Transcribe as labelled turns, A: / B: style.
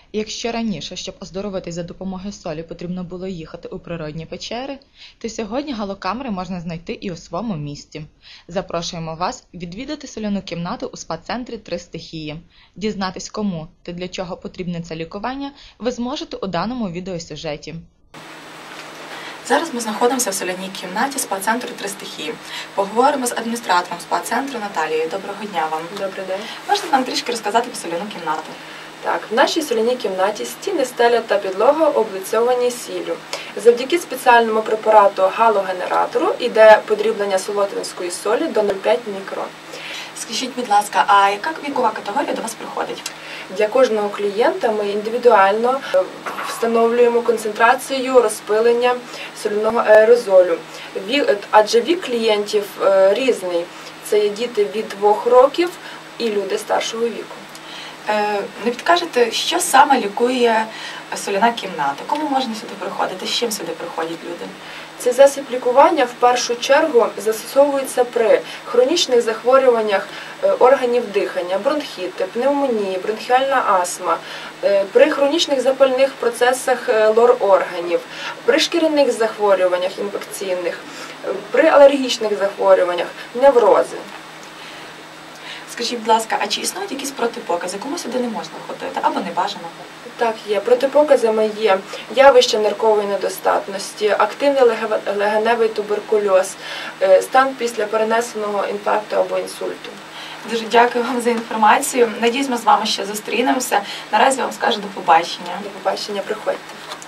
A: Якщо раніше, щоб оздоровитись за допомогою солі, потрібно було їхати у природні печери, то сьогодні галокамери можна знайти і у своєму місті. Запрошуємо вас відвідати соляну кімнату у спа-центрі «Три стихії». Дізнатись, кому та для чого потрібне це лікування, ви зможете у даному відеосюжеті.
B: Зараз ми знаходимося в соляній кімнаті спа-центру «Три стихії». Поговоримо з адміністратором спа-центру Наталією. Доброго дня вам.
C: Добрий день.
B: Можете нам трішки розказати про соляну кімнату?
C: Так, в нашій соляній кімнаті стіни, стеля та підлога облицьовані сіллю. Завдяки спеціальному препарату галогенератору йде подріблення солотвинської солі до 0,5 мікрон.
B: Скажіть, будь ласка, а яка вікова категорія до вас приходить?
C: Для кожного клієнта ми індивідуально встановлюємо концентрацію розпилення соляного аерозолю. Адже вік клієнтів різний. Це є діти від 2 років і люди старшого віку.
B: Не підкажете, що саме лікує соляна кімната? Кому можна сюди приходити? З чим сюди приходять люди?
C: Цей засіб лікування в першу чергу застосовується при хронічних захворюваннях органів дихання, бронхіти, пневмонії, бронхіальна астма, при хронічних запальних процесах лор-органів, при шкіряних захворюваннях інфекційних, при алергічних захворюваннях, неврози.
B: Скажіть, будь ласка, а чи існують якісь протипокази? Кому сюди не можна ходити або не бажано?
C: Так, є. Протипоказами є явище ниркової недостатності, активний легеневий туберкульоз, стан після перенесеного інфаркту або інсульту.
B: Дуже дякую вам за інформацію. Надіюсь, ми з вами ще зустрінемося. Наразі вам скажу до побачення.
C: До побачення, приходьте.